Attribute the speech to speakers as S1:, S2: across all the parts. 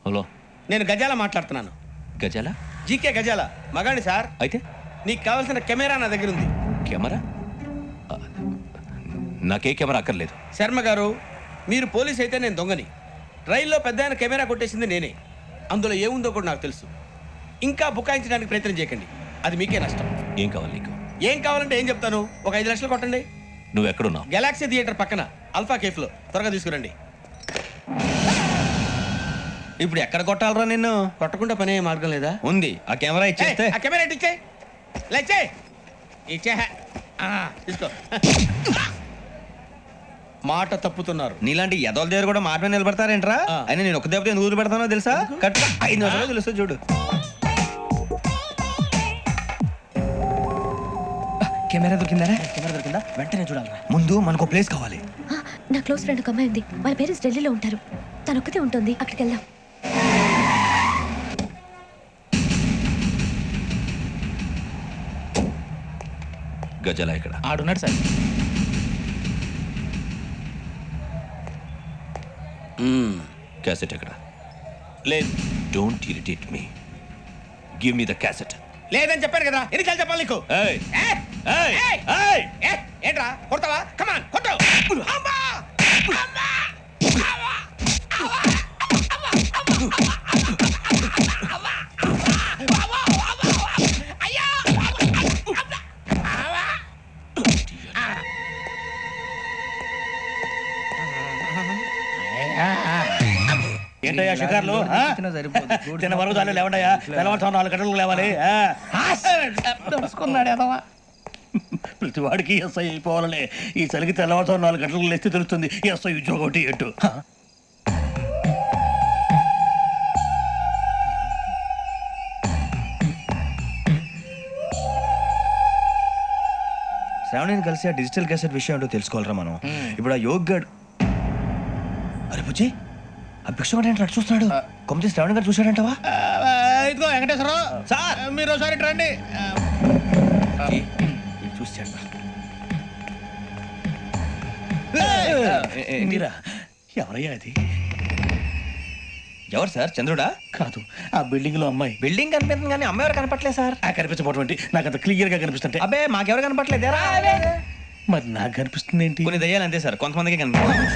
S1: Hello,
S2: నేను గజాల మాట్లాడుతున్నాను.
S1: గజాల?
S2: జీకే గజాల మగాడి సార్.
S1: అయితే
S2: నీకు కావాల్సిన కెమెరా నా దగ్గర ఉంది.
S1: కెమెరా? నాకే కెమెరా అక్కర్లేదు.
S2: శర్మ గారు, మీరు పోలీస్ అయితే నేను దొంగని. రైల్లో పెద్ద ఆయన కెమెరా కొట్టేసింది నేనే. అందులో ఏముందో కూడా నాకు తెలుసు. ఇంకా బుకాయించడానికి ప్రయత్నం చేయకండి, అది మీకే నష్టం.
S1: ఏం కావాలి నీకు?
S2: ఏం కావాలంటే ఏం చెప్తాను, ఒక 5 లక్షలు కొట్టండి.
S1: నువ్వు ఎక్కడున్నావు?
S2: గెలాక్సీ థియేటర్ పక్కన అల్ఫా కేఫ్లో. త్వరగా తీసుకురండి.
S3: ఇప్పుడు ఎక్కడ కొట్టాలరా నిన్ను?
S2: కొట్టకుండా పనే మార్గం లేదా?
S3: ఉంది, ఆ కెమెరా ఇచ్చేస్తే.
S2: ఆ కెమెరా ఇచ్చే లేచే ఇచ్చే తీసుకో. మాట తప్పుతున్నారు.
S3: నీలాంటి ఎదల దగ్గర కూడా మాట మీద నిలబడతారేంట్రా? అయినా నేను ఒక దెబ్బతో ఎందుకు పెడతానో తెలుసా? కట్ 5 నిమిషాలు తెలుసు చూడు.
S4: కెమెరా దొరికిందా? వెంటనే చూడాలి.
S3: ముందు మనకు ప్లేస్ కావాలి.
S5: నా క్లోజ్ ఫ్రెండ్ ఒక అమ్మాయి ఉంది. వాళ్ళ పేరెంట్స్ ఢిల్లీలో ఉంటారు. తను ఒక్కతే ఉంటుంది. అక్కడికి వెళ్దాం.
S1: గజాల ఇక్కడ
S4: ఆడున్నాడు సార్.
S1: క్యాసెట్ ఎక్కడ?
S2: లేదు.
S1: Don't irritate me. Give me the cassette.
S2: లేదని చెప్పాను కదా, ఎన్నిసార్లు చెప్పాలి నీకు?
S1: ఏయ్
S2: ఏయ్!
S1: ఏయ్
S2: ఏయ్!
S1: ఏయ్!
S2: ఏంట్రా కొడతావా? కమాన్ కొట్టు. అమ్మా! అమ్మా!
S6: ఏంటయ్యా షికార్లు? చిన్న వరకు చాలు లేవండయ్యా. తెల్లవారుతో 4 గంటలకు లేవాలి. ప్రతి వాడికి ఎస్ఐ అయిపోవాలనే ఈ చలికి తెల్లవారుతో 4 గంటలకు లేస్తే తెలుస్తుంది ఎస్ఐ ఉద్యోగం ఒకటి ఎట్టు.
S3: శ్రావణిని కలిసి ఆ డిజిటల్ క్యాసెట్ విషయం ఏంటో తెలుసుకోవాలరా మనం. ఇప్పుడు ఆ యోగ్ గడ్. అరే బుజ్జి, ఆ భిక్షగాడు ఏంటి అటు చూస్తున్నాడు? కొమ్మతి శ్రావణి గారు చూశాడంటవా?
S6: ఇదిగో వెంకటేశ్వరరావు సార్, మీరు ఒకసారి రండి.
S3: చూశాడు.
S6: మీరా? ఎవరయ్యా అది?
S3: ఎవరు సార్? చంద్రుడా?
S6: కాదు, ఆ బిల్డింగ్ లో అమ్మాయి.
S3: బిల్డింగ్ కనిపిస్తుంది కానీ అమ్మ ఎవరు కనపట్లేదు సార్.
S6: కనిపించబోటువంటి నాకు అంత క్లియర్ గా కనిపిస్తుంటే.
S3: అబ్బే మాకెవరు కనపట్లేదేరా?
S6: మరి నాకు కనిపిస్తుంది ఏంటి?
S3: కొన్ని దయ్యాలు అంతే సార్, కొంతమందికి కనిపిస్తుంది.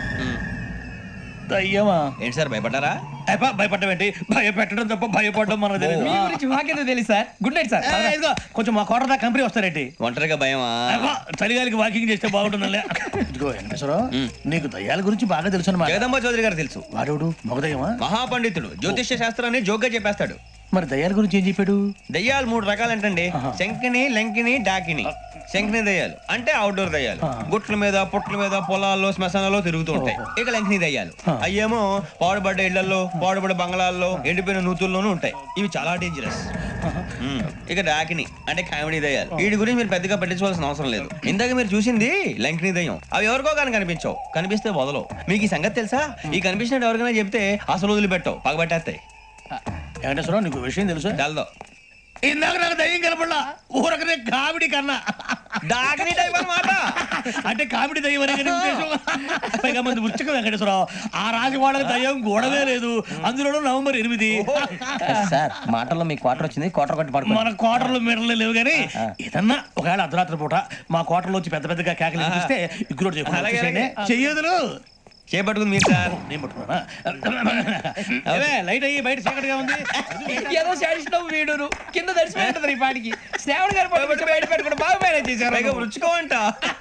S6: దయ్యమా?
S3: ఏంటి సార్ భయపడ్డారా?
S6: భయపడడం ఏంటి? భయపెట్టడం తప్ప భయపడడం మనకు తెలియదు.
S4: మీ గురించి మాకేదో తెలుసు సార్. Good night sir.
S6: ఇదిగో కొంచెం మా కోట దాకా కంపెనీ వస్తారేంటి?
S3: ఒంటరిగా భయమా?
S6: చలిగాలికి వాకింగ్ చేస్తే బాగుంటుందిలే. ఇదిగో వెంకటేశ్వరరావు, నీకు దయ్యాల గురించి బాగా తెలుసు అన్నమాట.
S3: జగదంబ చౌదరి గారు తెలుసు.
S6: వాడు మగదయ్యమా?
S3: మహాపండితుడు, జ్యోతిష్య శాస్త్రాన్ని జోగ్గా చెప్పేస్తాడు.
S6: మరి దయ్యాల గురించి ఏం చెప్పాడు?
S3: దయ్యాలు 3 రకాలంటండి. శంకిని, లంకిని, డాకిని. శంకిని దయ్యాలు అంటే అవుట్డోర్ దయ్యాలు, గుట్ల మీద పుట్ల మీద పొలాల్లో శ్మశానాల్లో తిరుగుతూ ఉంటాయి. ఇక లంకిని దయ్యాలు అయ్యేమో పాడుబడ్డ ఇళ్లలో, పాడుబడ్డ బంగ్లాల్లో, ఎండిపోయిన నూతుల్లోనూ ఉంటాయి. ఇవి చాలా డేంజరస్. ఇక డాకిని అంటే కామెడీ దయ్యాలు. వీటి గురించి మీరు పెద్దగా పట్టించుకోవాల్సిన అవసరం లేదు. ఇందాక మీరు చూసింది లంకిని దయ్యం. అవి ఎవరికో కానీ కనిపించవు, కనిపిస్తే వదలవు. మీకు ఈ సంగతి తెలుసా? ఈ కనిపించినట్టు ఎవరికైనా చెప్తే అసలు వదిలిపెట్టవు, పగబట్టేస్తాయి.
S6: వెంకటేశ్వరరావు, నీకు విషయం తెలుసు?
S3: డల్దో
S6: ఇందాక నాకు దయ్యం కనపడలా, ఊరకనే కామెడీ కన్నా.
S3: డాకిని టైప్ అన్నమాట.
S6: అంటే కామెడీ దయ్యం అనే కదా ఉద్దేశం. పైగా మంది ఉచ్చక వెంకటేశ్వరరావు, ఆ రాజు వాళ్ళకి దయ్యం గొడవే లేదు. అందులోనూ నవంబర్ 8.
S4: సార్ మాటల్లో మీ క్వార్టర్ వచ్చింది. క్వార్టర్ కొట్టి పడుకో.
S6: మన క్వార్టర్లో మీటర్లు లేవు కానీ ఏదన్నా ఒకవేళ అర్ధరాత్రి పూట మా క్వార్టర్లో వచ్చి పెద్ద పెద్దగా కేకలు వినిపిస్తే ఇగ్గురు చెయ్యదులు
S3: చేపట్టుకుంది మీరు సార్.
S6: నేను పట్టుకున్నా. లైట్ అయ్యి బయట చీకటిగా ఉంది.
S4: ఏదో శాడిస్ట్ వీడును కింద దర్శనం ఈ పాటికి శ్రావణ్ గారు పట్టుకొచ్చి బయట పెట్టుకుని బాగా మేనేజ్ చేశారు.
S3: పైగా రుచుకోవంట.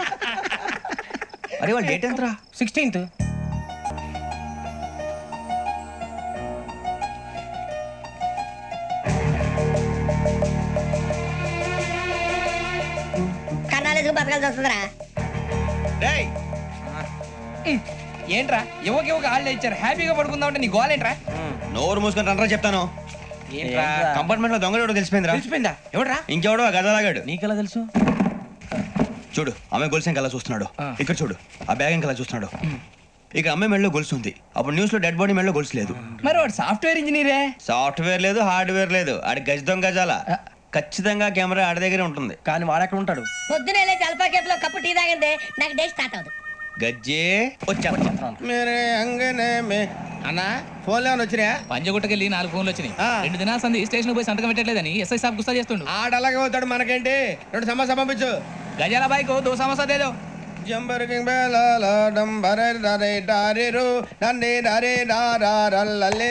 S3: అరే వాళ్ళ డేట్ ఎంతరా?
S4: 16th.
S7: కన్నాలేసుకు బతకాల్సి వస్తుందిరా.
S4: ఏంట్రా యువక ఆళ్ళు ఇచ్చారు, హ్యాపీగా పడుకుందాం అంటే నీ గోల్ ఏంట్రా?
S3: నోరు మూసుకొని రండ్రా చెప్తాను.
S4: ఏంట్రా
S3: కంపార్ట్మెంట్ లో దొంగడు తెలిసిపోయిందిరా.
S4: తెలిసిపోయిందా? ఎవడ్రా?
S3: ఇంకెవడో ఆ గదలాగాడు.
S4: నీకెలా తెలుసు?
S3: చూడు, ఆమె గొలుసు ఇంకలా చూస్తున్నాడు. ఇక్కడ చూడు, ఆ బ్యాగ్ ఇంకలా చూస్తున్నాడు. ఇక అమ్మాయి మెడలో గొలుసు ఉంది. అప్పుడు న్యూస్ లో డెడ్ బాడీ మెడలో గొలుసు లేదు.
S4: మరి వాడు సాఫ్ట్వేర్ ఇంజనీరే.
S3: సాఫ్ట్వేర్ లేదు, హార్డ్వేర్ లేదు. ఆడి గజ దొంగ గజాల. ఖచ్చితంగా కెమెరా ఆడి దగ్గరే ఉంటుంది.
S4: కానీ వాడెక్కడ ఉంటాడు?
S7: పొద్దునే లేచి అల్ఫా కేఫ్ లో కప్పు టీ తాగిందే నాకు డే స్టార్ట్ అవుతుంది.
S3: గజ్జే వచ్చా
S2: మేరే అంగనే మే అన్నా ఫోన్లో ఏమైనా వచ్చినాయా?
S4: పంజగుట్టకెళ్ళి 4 ఫోన్లు వచ్చినాయి.
S2: ఆ.
S4: 2 దినాల సంది స్టేషన్ పోయి సంతకం పెట్టలేదని ఎస్ఐ సాబ్ గుస్తా చేస్తుండు.
S2: ఆడలాగే పోతాడు, మనకేంటి? 2 సమస్య పంపించు.
S4: గజాల బైక్ 2 సమస్య దేదో.
S2: Jumper king బేలాల డంబరే డరే డారిరు డండే డరే డారల్లలే.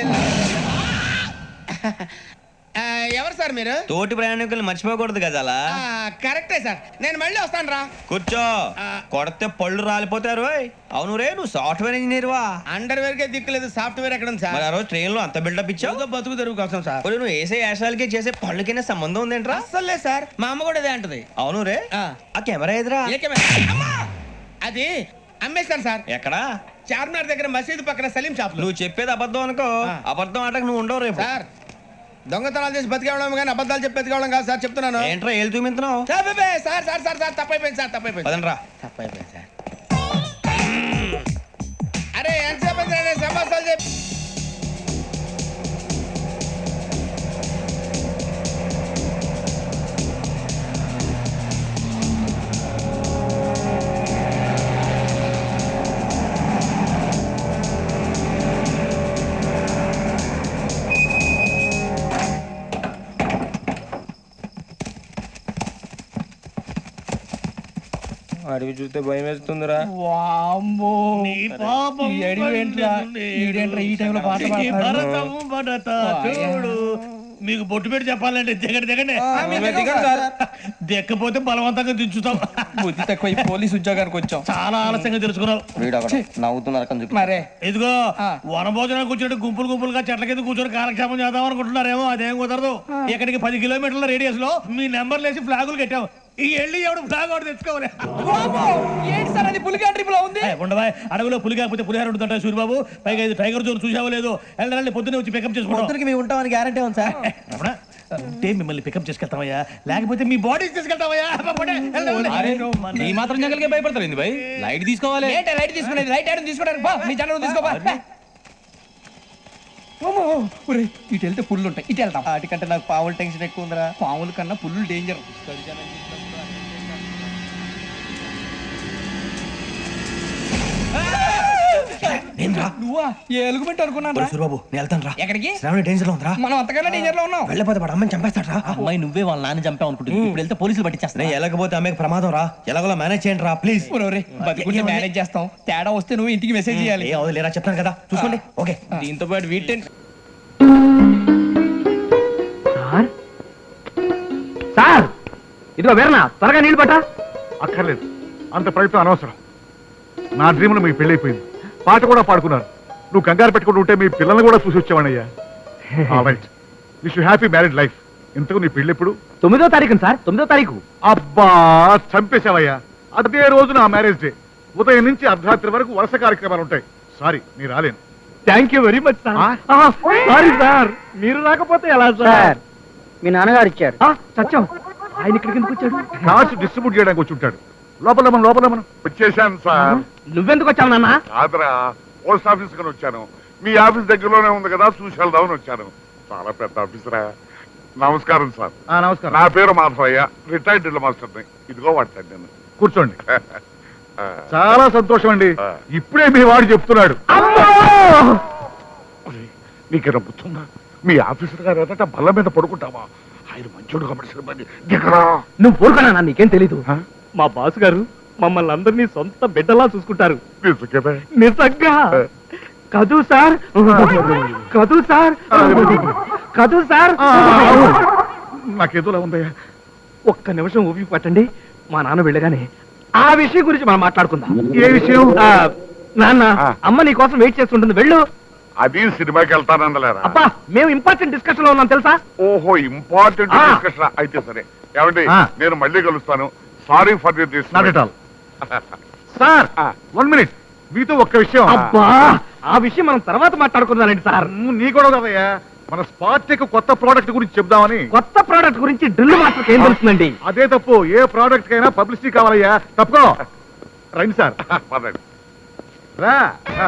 S2: ఎవరు సార్ మీరు?
S3: తోటి ప్రయాణికులు మర్చిపోకూడదు గజాల.
S2: కరెక్టే సార్, నేను మళ్ళీ వస్తాను రా.
S3: కూర్చో. కొడితే పళ్ళు రాలిపోతారు. అవును రే, నువ్వు సాఫ్ట్వేర్ ఇంజనీర్ వా?
S2: అండర్వేర్ కే దిక్కులేదు, సాఫ్ట్వేర్ ఎక్కడ ఉంది
S3: మరి
S2: సార్?
S3: ఆ రోజు ట్రైన్ లో అంత బిల్డప్ ఇచ్చావు.
S2: ఏదో బతుకు తెరుగు కోసం సార్.
S3: ఇప్పుడు నువ్వు వేసే యాశాలకి చేసే పళ్ళకైనా సంబంధం ఉందేంట్రా?
S2: అస్సలు లేదు సార్, మా అమ్మ కూడా అదే అంటది.
S3: అవును రే,
S2: ఆ.
S3: ఆ కెమెరా ఎదురా
S2: ఏ కెమెరా? అమ్మా! అది అమ్మేస్తాను సార్.
S3: ఎక్కడా?
S2: చార్మినార్ దగ్గర మసీదు పక్కన సలీం షాప్ లో.
S3: నువ్వు చెప్పేది అబద్ధం అనుకో.
S2: ఆ.
S3: అబద్ధం ఆటకు నువ్వు ఉండవు రేపు.
S2: సార్ దొంగతనాలు చేసి బతికేవడం కానీ అబద్ధాలు చెప్పి బతికేవడం కాదు సార్, చెప్తున్నాను.
S3: ఏంట్రా ఏళ్ళు చూపించినావు?
S2: Sir sir sir sir sir తప్పైపోయింది సార్, తప్పైపోయింది.
S3: పదండ్రా.
S2: తప్పైపోయింది సార్. అరే ఎంతసేపు సమస్యలు చెప్పి
S8: అడిగి చూస్తే భయం వేస్తుందిరా.
S4: వామ్మో.
S6: నీ పాపం
S4: ఈ అడివి ఏంట్రా? ఈడేంట్రా ఈ టైంలో పాట
S6: నీ
S4: పాడుతున్నాడు?
S6: భరతము భరత చూడు. మీకు బొట్టు పెట్టి చెప్పాలంటే దిగండి దిగండి. దెక్కపోతే బలవంతంగా దించుతాం.
S4: బుద్ధి తక్కువ ఈ పోలీస్ ఉద్యోగానికి వచ్చాం.
S6: చాలా ఆలస్యంగా తెలుసుకున్నావు.
S8: నవ్వుతున్నారు
S4: మరే
S6: ఇదిగో
S4: ఆ.
S6: వనభోజనానికి కూర్చొని గుంపులుగా చెట్ల కింద కూర్చొని కాలక్షేపం చేద్దాం అనుకుంటున్నారేమో. అదేం కుదరదు. ఇక్కడికి 10 కిలోమీటర్ల రేడియస్ లో మీ నెంబర్లు వేసి ఫ్లాగులు కట్టాం. ఈ వెళ్ళి ఎవడు ఫ్లాగ్ ఒకటి తెచ్చుకోవాలి.
S4: వామ్మో. ఏంటి సార్ అది పులిగా ట్రిప్ లో ఉంది?
S6: ఉండవా, అడవిలో పులి కాకపోతే పులిహార ఉంటుంట సూర్యబాబు. పైగా ఇది టైగర్ జోన్ చూసావో లేదో. వెళ్ళండి పొద్దున్నే వచ్చి పికప్ చేసుకుంటాం.
S8: మేము ఉంటామని గ్యారంటీ ఉంది సార్.
S6: అంటే మిమ్మల్ని పికప్ చేసుకెళ్తామయ్యా, లేకపోతే మీ బాడీ తీసుకెళ్తామయ్యా.
S4: ఈ మాత్రం జంగల్కే భయపడతారు ఏంది భయ్? లైట్ తీసుకోవాలి. ఏంటి లైట్ తీసుకునేది? లైట్ ఐడన్ తీసుకోవడానికి బా, మీ జనం తీసుకోబా. ఇటు వెళ్తే పుల్లు ఉంటాయి, ఇటు వెళ్తాం.
S8: వాటికంటే నాకు పావుల టెన్షన్ ఎక్కువ ఉందిరా.
S4: పాముల కన్నా పుల్లు డేంజర్. నువ్వా? ఏ ఎలుగుబెట్టి అనుకున్నాను.
S3: సూర్యబాబు నేను వెళ్తాను రా.
S4: ఎక్కడికి?
S3: శ్రావణి డేంజర్ లో ఉందిరా.
S4: మనం అంతకన్నా డేంజర్ లో ఉన్నాం.
S3: వెళ్ళపోతే వాడు అమ్మని చంపేస్తాడు రా.
S8: అమ్మాయి నువ్వే వాళ్ళ నాన్న చంపావు అనుకుంటుంది. ఇప్పుడు వెళ్తే పోలీసులు పట్టించేస్తా.
S3: నేను వెళ్ళకపోతే అమ్మకి ప్రమాదం రా. ఎలాగోలా మేనేజ్ చేయండి రా ప్లీజ్.
S4: బతికుంటే మేనేజ్ చేస్తాం. తేడా వస్తే నువ్వు ఇంటికి మెసేజ్ చేయాలి.
S3: ఏ అవుదు లేరా, చెప్తాను కదా చూసుకోండి. ఓకే.
S2: దీంతో పాటు వీటెన్
S9: సార్ ఇదిగో వేరనా త్వరగా నీళ్ళు పట్టా.
S10: అక్కర్లేదు, అంత ప్రయత్నం అనవసరం. నా డ్రీమ్లో మీ పెళ్ళైపోయింది, పాట కూడా పాడుకున్నారు. నువ్వు కంగారు పెట్టుకుంటూ ఉంటే మీ పిల్లల్ని కూడా చూసి వచ్చావనయ్యా. Right, wish you happy married life. ఇంతకు నీ పెళ్ళి ఎప్పుడు?
S9: 9వ తారీఖు సార్, 9వ తారీఖు.
S10: అబ్బా చంపేశావయ్యా. అదే రోజు నా మ్యారేజ్ డే. ఉదయం నుంచి అర్ధరాత్రి వరకు వరుస కార్యక్రమాలు ఉంటాయి. సారీ నీ రాలేను.
S9: Thank you very much sir. Sorry sir, మీరు రాకపోతే ఎలా సార్? మీ నాన్నగారు ఇచ్చారు. సత్యం, ఆయన ఇక్కడికి ఎందుకు వచ్చాడు?
S10: కార్డ్స్ డిస్ట్రిబ్యూట్ చేయడానికి వచ్చి ఉంటాడు. లోపల మనం వచ్చేసాను సార్.
S9: నువ్వెందుకు వచ్చావు నాన్న?
S10: కాదురా, పోస్ట్ ఆఫీస్ కని వచ్చాను. మీ ఆఫీస్ దగ్గరలోనే ఉంది కదా, చూసి వెళ్దామని వచ్చాను. చాలా పెద్ద ఆఫీసరా. నమస్కారం సార్.
S3: నమస్కారం.
S10: నా పేరు మాధవయ్య, రిటైర్డ్ డ్రిల్ మాస్టర్ని. ఇదిగో వాడతాను నేను. కూర్చోండి. చాలా సంతోషం అండి. ఇప్పుడే మీ వాడు చెప్తున్నాడు. నీకేనా గుర్తుందా? మీ ఆఫీసర్ గారు ఎదట బల్ల మీద పడుకుంటావా? ఆయన మంచోడు కాబట్టి సిబ్బంది దిగరా.
S9: నువ్వు ఊరుకున్నా, నీకేం తెలీదు. మా బాస్ గారు మమ్మల్ని అందరినీ సొంత బిడ్డలా చూసుకుంటారు.
S10: నిజంగానే?
S9: నిజంగా కదూ సార్, కదూ సార్, కదూ సార్.
S10: నాకేదోలా ఉందయ్యా.
S9: ఒక్క నిమిషం ఊపి పట్టండి. మా నాన్న వెళ్ళగానే ఆ విషయం గురించి మనం మాట్లాడుకుందాం.
S10: ఏ విషయం?
S9: నాన్న, అమ్మ నీ కోసం వెయిట్ చేస్తుంటుంది, వెళ్ళు.
S10: అది సినిమాకి వెళ్తానందలేరా?
S9: అబ్బా, మేము ఇంపార్టెంట్ డిస్కషన్ లో ఉన్నాం తెలుసా?
S10: ఓహో, ఇంపార్టెంట్ డిస్కషన్ అయితే సరే. ఏమండి, నేను మళ్ళీ కలుస్తాను. Sorry for this. Not at all. Sir 1 minute, మీతో ఒక్క విషయం.
S9: అబ్బా, ఆ విషయం మనం తర్వాత మాట్లాడుకుందానండి సార్.
S10: నీ కూడా కదయ్యా, మన స్పార్టెక్ కొత్త ప్రోడక్ట్ గురించి చెప్దామని.
S9: కొత్త ప్రోడక్ట్ గురించి డ్రిల్ మాస్టర్ ఏం తెలుస్తుందండి?
S10: అదే తప్పు. ఏ ప్రోడక్ట్ కైనా పబ్లిసిటీ కావాలయ్యా. తప్పుకో. రండి సార్. రా.